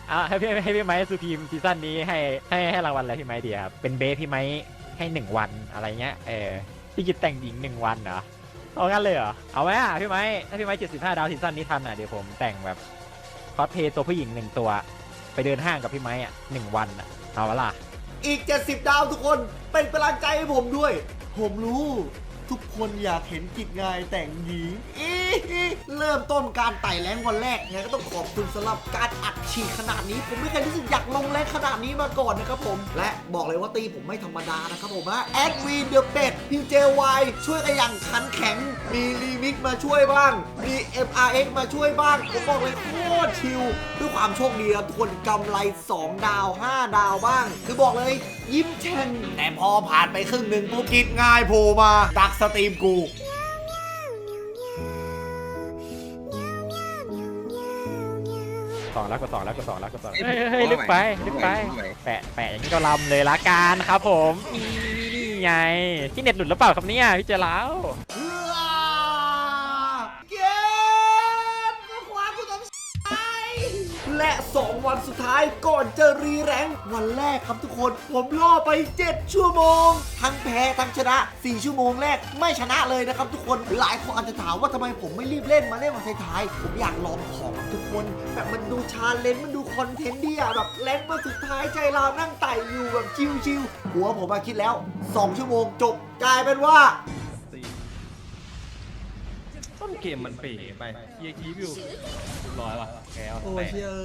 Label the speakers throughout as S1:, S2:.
S1: ให้พี่ไม้สุพีมซีซั่นนี้ให้รางวัลอะไรพี่ไม้ดีครับเป็นเบสพี่ไม้ให้1 วันอะไรเงี้ยพี่กิจแต่งหญิง1 วันเหรอเอางั้นเลยเหรอเอาไหมพี่ไม้ถ้าพี่ไม้75 ดาวซีซั่นนี้ทันเดี๋ยวผมแต่งแบบคอสเพลย์ตัวผู้หญิง1 ตัวไปเดินห้างกับพี่ไม้1 วันเอาวะล่ะ
S2: อีก70 ดาวทุกคนเป็นกำลังใจให้ผมด้วยผมรู้ทุกคนอยากเห็นกิจงายแต่งหญิงเริ่มต้นการไต่แรงวันแรกไงก็ต้องขอบคุณสำหรับการอัดฉีดขนาดนี้ผมไม่เคยรู้สึกอยากลงแรงขนาดนี้มาก่อนนะครับผมและบอกเลยว่าตีผมไม่ธรรมดานะครับผมนะแอดวีเดอะเป็ดพีเจวายช่วยกันอย่างขันแข็งมีรีมิกมาช่วยบ้างมี MRX มาช่วยบ้างผมบอกเลยโคตรชิลด้วยความโชคดีครับทุกคนกำไร2 ดาว5 ดาวบ้างคือบอกเลยยิ้มแฉ่งแต่พอผ่านไปครึ่งหนึ่งปุ๊บกิจง่ายโผล่มาดักสตรีมกู
S1: 2 แล้วก็2แล้วเฮ้ยลึกไปแปะอย่างนี้ก็ลำเลยละกันครับผมนี่ไงที่เน็ตหลุดหรือเปล่าครับเนี่ยพี่เจแล้ว
S2: และ2 วันสุดท้ายก่อนจะรีแรงค์วันแรกครับทุกคนผมล่อไป7 ชั่วโมงทั้งแพ้ทั้งชนะ4 ชั่วโมงแรกไม่ชนะเลยนะครับทุกคนหลายคนอาจจะถามว่าทำไมผมไม่รีบเล่นมาเล่นวันท้ายๆผมอยากลองของทุกคนแบบมันดูชาเลนจ์มันดูคอนเทนต์ดีอะแบบแรงค์มาสุดท้ายใจเรานั่งไต่อยู่แบบชิลๆหัวผมคิดแล้ว2 ชั่วโมงจบกลายเป็นว่า
S3: ต้นเกมมันเป๋ไปเยียคีวิวร้อยว่ะแกว
S2: โอ้เชีย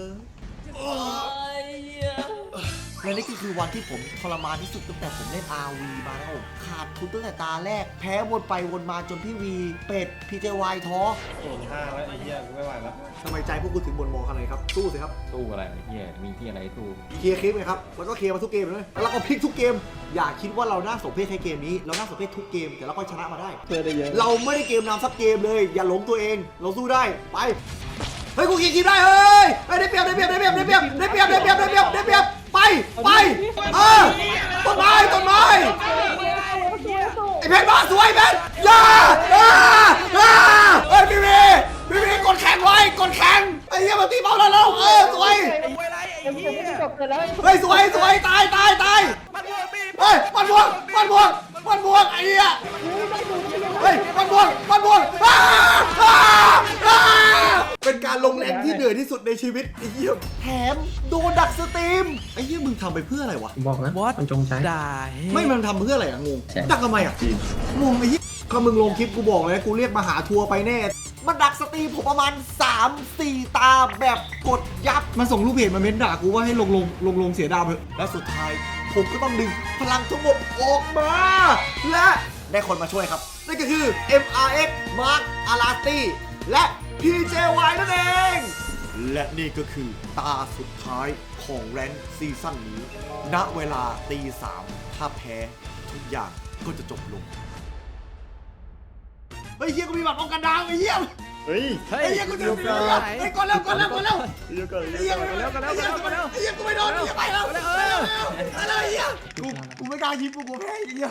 S2: และนี่ก็คือวันที่ผมทรมานที่สุดตั้งแต่ผมเล่น RV มาแล้วผมขาดทุนตั้งแต่ตาแรกแพ้วนไปวนมาจนพี่วีเป็ดพีเจวายท้อ
S3: โอ้5แล้วไอ้เหี้ยกูไม่ไหวแล้ว
S2: ทำไมใจพวกกูถึงบนมองขนาดนี้ครับสู้สิครับ
S4: ตู้อะไรเฮียมีที่อะไรตู้
S2: เคลียร์คลิปไงครับแล้วก็เคลียร์มาทุกเกมเลยแล้วเราก็พลิกทุกเกมอย่าคิดว่าเราน่าสมเพชแค่เกมนี้เราน่าสมเพชทุกเกมแต่เราก็ชนะมาได้
S3: เพื่อได้เยอะ
S2: เราไม่ได้เกมนำสักเกมเลยอย่าหลงตัวเองเราสู้ได้ไปเฮ้ยกูเคลียร์คลิปได้เฮ้ยได้เปรียบไปต้นไม้ไอ้เพชรบ้าสวยเพชรอย่าเฮ้ยพี่กดแข่งไว้กดแข่งไอ้เหี้ยมาตีเบาแล้วสวยเฮ้ยสวยตายเฮ้ยมันบวกไอ้เหี้ยเฮ้ยมันบวกเป็นการลงแรงที่เหนื่อยที่สุดในชีวิตไอ้เหี้ยแถมโดนดักสตรีมไอ้เหี้ยมึงทำไปเพื่ออะไรวะ
S5: บอกนะมันจงใจ
S2: ไม่มันทำเพื่ออะไรอะงงดักทำไมอะงงไอ้เหี้ยก็มึงลงคลิปกูบอกเลยกูเรียกมาหาทัวร์ไปแน่มันดักสตรีมผมประมาณ 3-4 ตาแบบกดยับมันส่งรูปเพจมาเม้นด่ากูว่าให้ลงเสียดาวเถอะและสุดท้ายผมก็ต้องดึงพลังทั้งหมดออกมาและได้คนมาช่วยครับนั่นก็คือ MRX Mark Arati และ PJY นั่นเองและนี่ก็คือตาสุดท้ายของแรนซีซั่นนี้ณเวลาตี 3ถ้าแพ้ทุกอย่างก็จะจบลงเฮ้ยเฮียกูมีบัตรป้องกันดาวไอ้เฮีย
S3: เฮ้ย
S2: ไอ้เฮียกูจะมีไอ้ก่อนแล้วไอ้เฮียกูไม่โดนไอ้เฮียไปแล้วอะไรเฮียกูไม่กล้ายิงกูแพ้ไอ้เฮี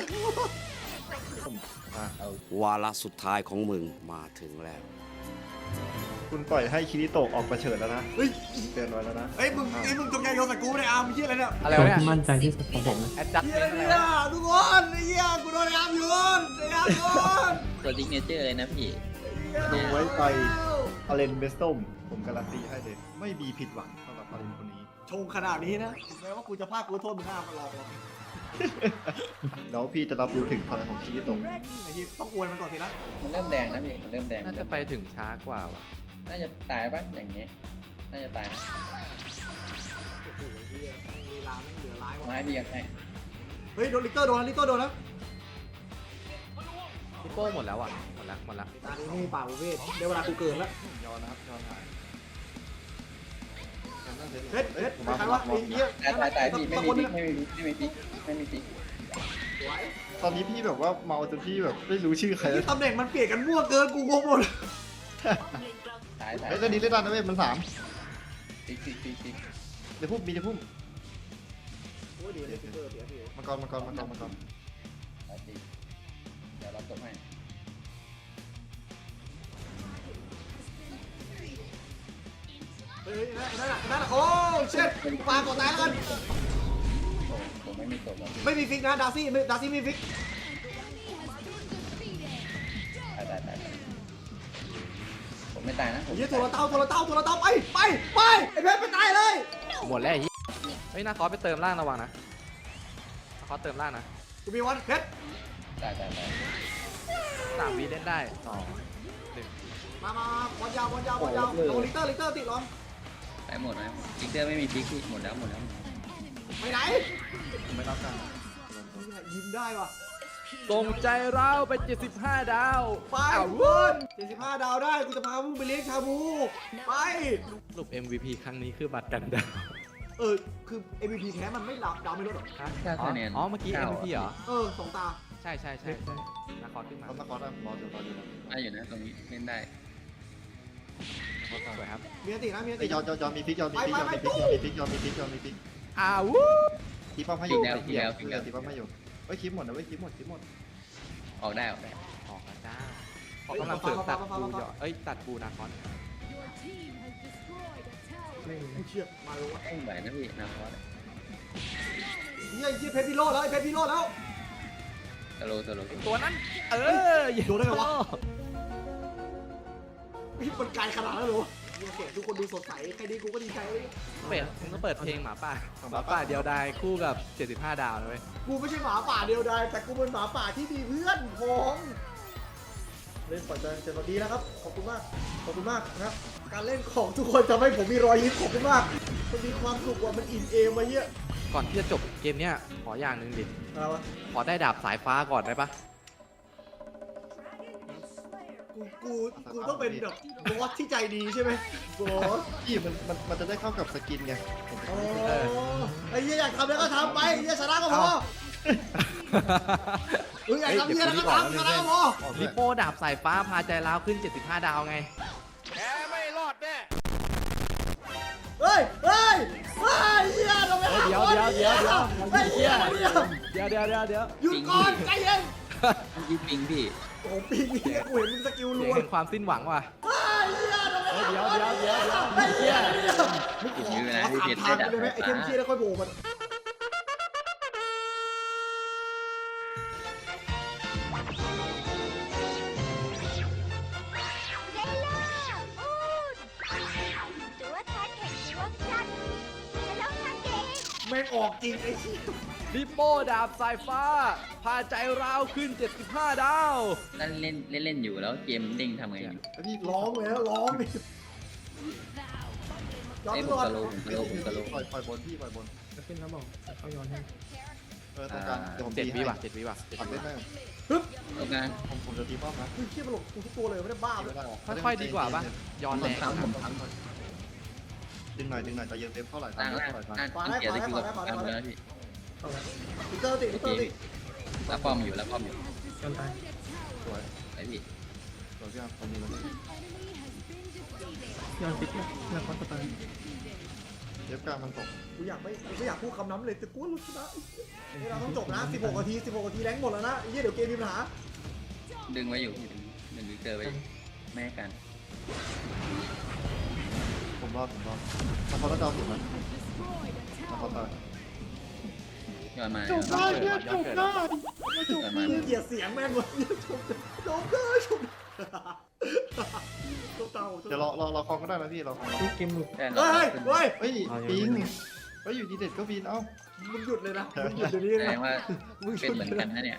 S2: ยวาระสุดท้ายของมึงมาถึงแล้ว
S3: คุณปล่อยให้คิริโตะออกประเฉิดแล้วนะ
S2: เฮ้ย
S3: เตือนไว้แล้วนะ
S2: เฮ้ยมึงจงใจโยนใส่กูไม่ได้อาร์มเฮียอะไรเนี่ย
S1: อะไร
S5: ตัว
S1: วะเนี่ย
S5: ที่มั่นใจที่สุดของผมนะ
S1: แอดจัด
S2: เฮี
S1: เป็น
S2: ย
S1: อะไรวะ
S2: ทุกคนไอ้เฮียกูโดนอาร์มโยน
S6: ตัวดิกเนเจอร์เลยนะพี่
S3: ลงไว้ไปอาเลนเบสตอมผมการันตีให้เลยไม่มีผิดหวังสำหรับอาเลนคนนี้
S2: ชงขนาดนี้นะแม้ว่ากูจะพลาดกูโทษมึงห้ามมาลอง
S3: แล้วพี่จะรับรู้ถึงพลังของคิริโตะ
S2: ไอ้เฮียต้องอวยมันก่อนสินะ
S6: มันเริ่มแดงนะพี่ มันเริ่มแดง
S4: น่าจะไปถึงช้ากว่าว่ะ
S6: น่าจะตายปะอย่างเงี้ย น่าจะตายนะ
S2: โอ้โหเฮียเวลาไม่เหลือร้ายว่ะ
S6: ไม้พี่ยังไง
S2: เฮ้ยโดนลิกเตอร์โดนนะ
S4: พี่โป้หมดแล้วอ่ะหมดละ
S2: ตอนนี้ไม่มีป่าประเวทได้เวลากูเกินแล้ว
S3: ย้อนนะครับย้อนหาย
S2: เฮ็ดใครวะไอ้เหี้ย
S6: ตายพี่ ไม่มีพิกไม่มีพิก
S3: ตอนนี้พี่แบบว่าเมาจนพี่แบบไม่รู้ชื่อใครแล้ว
S2: ที่ตำแหน่งมันเปลี่ยนกันมั่วเกินกูงงหมด
S6: ตาย
S3: เฮ้ยตอนนี้เล่นได้นะเว้ยมัน3
S6: พิก
S3: เดี๋ยวพุ่มมีเดี๋ยวพุ่ม
S2: โอ้ยเดี๋ยวเสีย
S3: มังกร
S6: ตายจริงเดี๋ยวเราตบให้
S2: นั่นโอ้เช็ดปลาก่อตายแล้วกัน
S6: ผมไม่มีศพหรอก
S2: ไม่มีฟิกนะดาซี่ไม่มีฟิก
S6: ตายผมไม่ตายนะผม
S2: ยี่ตัวละเต้าไปไอ้เพชรไปตายเลย
S4: หมดแล้วไอ้เหี้ยเฮ้ยนาคอสไปเติมล่างระวังนะนาคอสเติมล่างนะ
S2: กูมีวันเพชร
S6: ตาย
S4: 3 วิเล่นได้2
S2: มาบอลยาวลงลิเตอร์ติดลอง
S6: ตายหมดนะจิกเตอร์ไม่มีพิกพี่หมดแล้ว
S2: ไปไหน
S3: ผมไม่รับการ
S2: ยิ้มได้ว่ะ
S4: 1ส่งใจเราไป75 ดาว
S2: ไปคุณ75 ดาวได้กูจะพามึงไปเลี้ยงชาบูไป
S4: สรุป MVP ครั้งนี้คือบัตรกันดาว
S2: คือ MVP แท้มันไม่ดาวไม่ลดหรอก
S6: 9คะแนน
S4: อ๋อเมื่อกี้ MVP เหรอ
S2: 2 ตา
S4: ใช่นาคอสขึ้นมา
S3: เขาตะกอนรออยู่
S6: ได้อยู่นะตรงนี้เล่นได้
S4: สวยครับ
S2: มีตินะมี
S3: ไอ้
S2: ติ
S3: ยอนมีพลิกยอนมีพลิก
S4: อ้าว
S3: ทีป้อมให้อยู่ทีป้อมให้อยู่เฮ้ยคลิปหมดนะเว้ยคลิปหมด
S6: ออกได้
S4: ออกแล้วจ้าขอกำลังเสริมตัดบูหยอดตัดบูนาคอส
S2: กูเชื่อมาเลยวะ
S6: ต้องไหวนะพี่นาคอส
S2: เพชรพิโรแล้ว
S6: ตะโล
S4: ตัวนั้นอย่า
S2: โดนได้ไงวะมันไกลขนาดนั้นเหรอโอเคทุกคนดูสดใสใครดีกูก็ดีใจเลย
S4: มึงก็เปิดเพลงหมาป่าเดียวดายคู่กับ75 ดาวนะเว้ย
S2: กูไม่ใช่หมาป่าเดียวดายแต่กูเป็นหมาป่าที่มีเพื่อนของเล่นปล่อยใจเจอดีนะครับขอบคุณมากนะครับการเล่นของทุกคนทำให้ผมมีรอยยิ้มขอบคุณมากมันมีความสุขว่ามันอิ่มเอมมาเยอะ
S4: ก่อนที่จะจบเกมเนี้ยขออย่างหนึ่งดิ
S2: อะไรวะ
S4: ขอได้ดาบสายฟ้าก่อนได้ปะ
S2: กูต้องเป็นแบบบอสที่ใจดีใช่ไหมบอส
S3: พี่มันจะได้เข้ากับสกินไง
S2: อ๋อไอ้เหี้ยอยากทำแล้วก็ทำไปไอ้เหี้ยชนะก็พออยากทำเหี้ยแล้วก็ทำชนะก็พอ
S4: ลิโป้ดาบสายฟ้าพาใจร้าวขึ้น75 ดาวไง
S2: เฮ้ยเหี้ยทำไม
S4: เดี๋ยว
S2: ไอ้เหี้ย หยุดก่อนใจเย็น
S6: ยิงปิงพี่
S2: โอ้ปีนี้กูเห็นมึงสกิล
S4: เสี
S2: รั
S4: ยง
S2: ว
S4: แห่งความสิ้นหวังว่ะ
S2: ไอ้เหี้ยทำไม
S4: เดี๋ยว
S2: ไอ้เหี้ย
S6: ติดยื้อนะ
S2: ขอ
S6: พี่
S2: ถาม
S6: เพชร
S2: ทาง
S6: ได้
S2: ได้ไหม
S6: ดาบ
S2: ไอ้เทมเชียแล้วค่อยโบกมันแม่งออกจริงไอ้เหี้ย
S4: ลิโป้ดาบสายฟ้า พาใจร้าวขึ้น75 ดาว
S6: นั่นเล่นอยู่แล้วเกมเด้งทำไงอยู่
S3: แล้วพี่
S2: ร้องเลยนะร้องดิย้อน
S6: ไอ้ผ
S2: ก่
S6: ม
S2: อน
S6: ตะโล
S3: ปล่อยบนพี่ปล่อยบน
S5: จะขึ้นแล้วบอกจะเข้าย้อนให้
S3: ต้องการเดี๋ยวผม
S4: 7 วิว่ะ
S3: ปัดเล่นได้
S6: ตรงกลาง
S3: ผมจะตีป้อมนะ
S2: เฮ้ยเชี่ยมันหลบกูทุกตัวเลยไม่ได้บ้าเลย
S4: ค่อยๆดีกว่าปะย้อน
S6: ผ
S4: แร
S6: ม
S4: ง
S6: ทำผมทำ
S3: ดึงหน่อยใจเย็นเต็มเท่าไหร่
S6: ล่างล่างล่างเกียร์ได้คือกับกลางแล้วพี่
S2: เอาละลิเตอร์ติ
S6: แล้วป้อมอยู่
S5: ย้อนตาย
S3: สวย
S6: ไอ้พี่
S3: สวยพี่ครับตรงนี้เลย
S5: ย้อนฟิกนะคอสตาย
S3: เทปกลางมันตก
S2: กูอยากพูดคำนั้นเลยแต่กูรู้ชนะเราต้องจบนะ16 นาทีแรงหมดแล้วนะไอ้เหี้ยเดี๋ยวเกมมีปัญหา
S6: ดึงไว้อยู่ดึงวิกเตอร์ไว้แม่กัน
S3: ผมรอดมันเขาต้องเดาสุดนะมันเขาตาย
S6: ย้อนมา
S4: ย้อนเกิด
S6: ย้อนมา
S2: เกลียดเสียงแม่งเลยชมเต่า
S3: เดี๋ยวเราคลองก็ได้นะพี่เราคลอง
S5: ทุกเกมหลุด
S6: แต่
S2: เฮ้ย
S3: เฮ้ยปีนเฮ้ยอยู่ดีเด็ดก็ปีนเอ้า
S2: มึงหยุดเลยนะมึงหยุดเดี๋ยวนี้
S6: แสด
S2: นะ
S6: งว่าเป็นเหมือนกันนะเนี่ย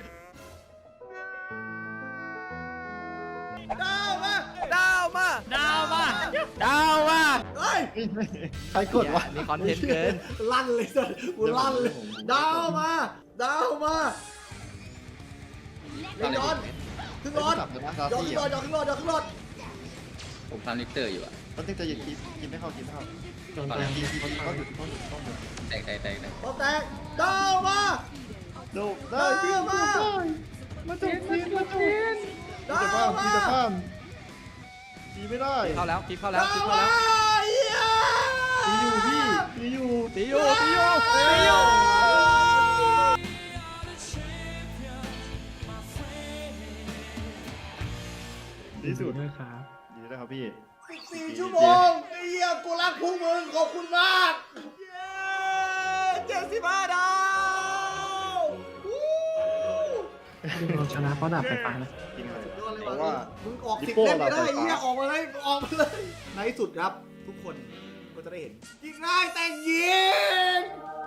S2: ดาวมาเฮ้ย
S3: ใครกดวะ
S4: นี่คอนเทนต์เกิน
S2: ลั่นเลยสัสกูลั่นเลยดาวมาย้อนขึ้นรถ
S3: จับเลยนะซา
S2: ย้อน
S3: ซี่
S2: ขึ้นรถ
S6: ผมทำลิกเตอร์อยู่อะ
S3: ต้องจะหยุดกินไม่เข้า
S5: ย้อน
S3: ต
S5: ตาย
S3: กินต้องหยุด
S6: แตก
S2: พร้อมแตกดาวมา
S3: ดูได้พี่มาจบปีน
S2: ดาว
S3: จะข้าม
S2: มา
S3: จะข้ามตีไม่ได้
S4: เข้าแล้วคลิปเข้าแล้ว
S2: ดาวมาเหี้ย
S3: ตีอยู่พี่ตีอยู่
S4: ตีอยู่
S3: ดีสุด
S5: ด้วยครับ
S3: ดีนะครับพี่
S2: 14 ชั่วโมงไอ้เหี้ยกูรักพวกมึงขอบคุณมากเย้75 ดาววู้
S5: เราชนะเพราะดาบไฟฟ้านะ
S3: จริงเลย
S2: สุดยอดเลย
S3: เพราะ
S2: ว่ะ
S3: ว่า
S2: มึงออก
S3: ดิ
S2: สิบ
S3: โป้
S2: เล่มไม่ได้
S3: เราไฟ
S2: ไอ้
S3: ฟ้า
S2: เหี้ยออกมาเลยออกมาเลยในที่สุดครับ ทุกคนก็จะได้เห็นยิงง่ายแต่งยิง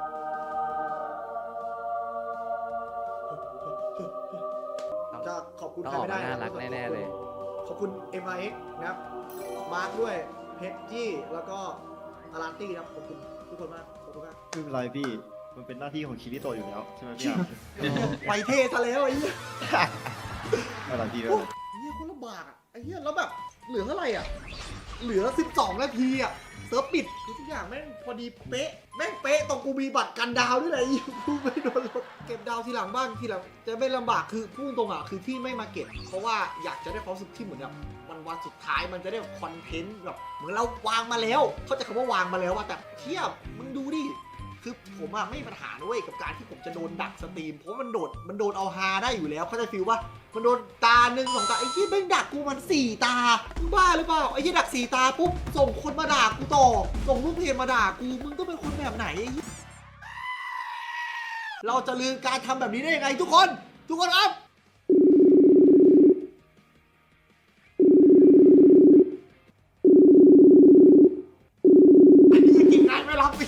S2: จะขอบคุณ
S4: ต้อง
S2: ใคร
S4: ออก
S2: ไม่
S4: มา
S2: ได้
S4: น่ารักแน่ๆเลย
S2: ขอบคุณ MIX นะครับ มาร์คด้วย เพชรจี้ แล้วก็อาราตี้ครับ ขอบคุณทุกคนมาก ขอบคุณมาก
S3: ไม่เป็นไรพี่ มันเป็นหน้าที่ของคิริโตะอยู่แล้วใช่ไหมพี่อาร์ม
S2: ไปเทซะแล้วไอ้เหี้ย
S3: ไม่เป็นไรพี่ไม่
S2: โอ้
S3: เป็นไร
S2: ไอ้เหี้ยคนลำบากอ่ะ ไอ้เหี้ยแล้วแบบเหลือเท่าไหร่อ่ะ เหลือ 12 นาทีอ่ะ เซิร์ฟปิดคือทุกอย่างแม่งพอดีเป๊ะ แม่งเป๊ะตรงกูมีบัตรกันดาวด้วยแหละไอ้กูไม่โดนลดเก็บดาวทีหลังบ้างทีหลังจะไม่ลำบากคือพูดตรงอ่ะคือที่ไม่มาเก็บ เพราะว่าอยากจะได้ความรู้สึกที่เหมือนแบบวันสุดท้ายมันจะได้คอนเทนต์แบบเหมือนเราวางมาแล้ว เขาใจะคำว่าวางมาแล้วว่าแต่เทียบมึงดูดิ คือผมอะไม่มีปัญหาด้วยกับการที่ผมจะโดนดักสตรีมเพราะว่ามันโดนเอาฮาได้อยู่แล้วเขาใจฟิลว่ามันโดนตาหนึ่งสองตาไอ้ที่แม่งดักกูมัน4 ตามึงบ้าหรือเปล่าไอ้ที่ดัก4 ตาปุ๊บส่งคนมาด่ากูต่อส่งลูกเพจมาด่ากูมึงต้องเป็นคนแบบไหนไอ้เหี้ยเราจะลืมการทำแบบนี้ได้ยังไงทุกคนครับไอ้เหี้ยกินงานไม่รับอีก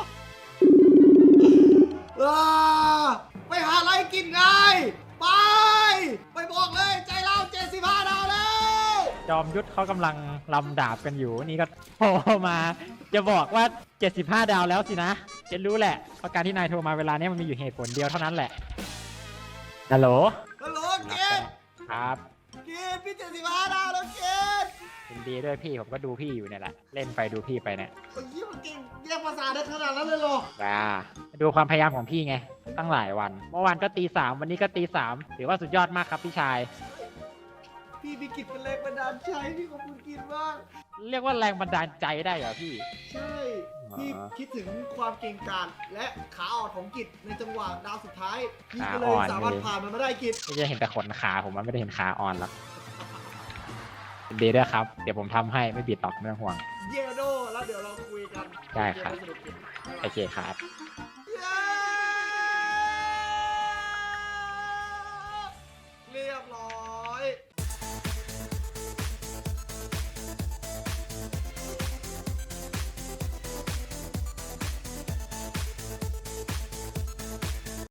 S2: ไปหาอะไรกินไงไปบอกเลยใจเรา75 ดาวแล้ว
S1: จอมยุทธเขากำลังลำดาบกันอยู่นี่ก็โทรมาจะบอกว่า 75 ดาวแล้วสินะจะรู้แหละเพราะการที่นายโทรมาเวลานี้มันมีอยู่เหตุผลเดียวเท่านั้นแหละฮัลโหล
S2: ฮัลโหลเกด
S1: ครับ
S2: เกดพี่75 ดาวแล้วเกด
S1: ยินดีด้วยพี่ผมก็ดูพี่อยู่เนี่ยแหละเล่นไปดูพี่ไปเนี่ย
S2: ไอ้ยี่มันเก่งแยกภาษาได้ขนาดนั้นเลยเหรอ
S1: ว้าดูความพยายามของพี่ไงตั้งหลายวันเมื่อวานก็ตี 3วันนี้ก็ตี 3ถือว่าสุดยอดมากครับพี่ชาย
S2: พี่มีกิจเป็นแรงบันดาลใจพี่ขอบคุณกินมาก
S1: เรียกว่าแรงบันดาลใจได้เหรอพี่
S2: ใช่พี่คิดถึงความเก่งกาจและขาอ่อนของกิจในจังหวะดาวสุดท้ายพี่ก็เลยสามารถผ่านมันมาได้กิจ
S1: ไม่จะเห็นแต่ขนขาผมมันไม่ได้เห็นขาอ่อนหรอกยินดีด้วยครับเดี๋ยวผมทำให้ไม่บิดหรอกไม่ต้องห่วง
S2: เยโดแล้วเดี๋ยวเราคุยกัน
S1: ได้ครับ
S2: เกมสนุกๆ
S1: โอเคครับ